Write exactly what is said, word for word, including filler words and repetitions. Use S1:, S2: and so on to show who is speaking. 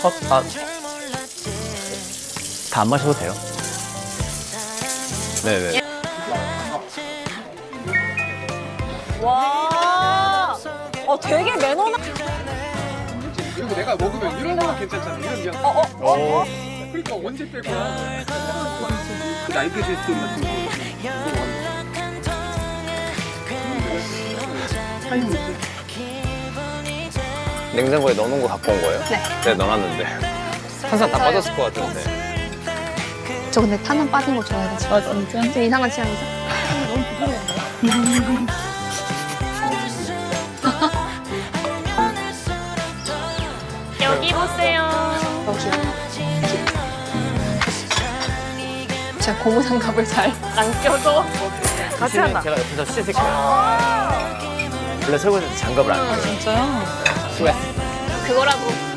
S1: 어, 아, 다 안 마셔도 돼요. 네네.
S2: 와, 어, 되게 매너나.
S3: 그리고 내가 먹으면 이런 거 괜찮잖아. 이런 게.
S2: 어, 어, 어, 어.
S3: 그러니까 언제 뺄 거야? 그 나이트 제스트 같은 거.
S1: 냉장고에 넣어놓은 거 갖고 온 거예요?
S2: 네.
S1: 네, 넣어놨는데. 탄산 다 빠졌을 것 같은데.
S4: 저 근데 탄산 빠진 거 좋아해가지고.
S2: 아, 진짜?
S4: 좀 이상한 취향이죠?
S2: 여기 보세요.
S4: 여기. 제가 고무장갑을 잘.
S2: 안 껴도 같이 한다.
S1: 제가 옆에서 씻을게요. 원래 설거지 때 장갑을 안 껴요.
S2: 진짜요?
S1: 스웨트.
S4: 그거라도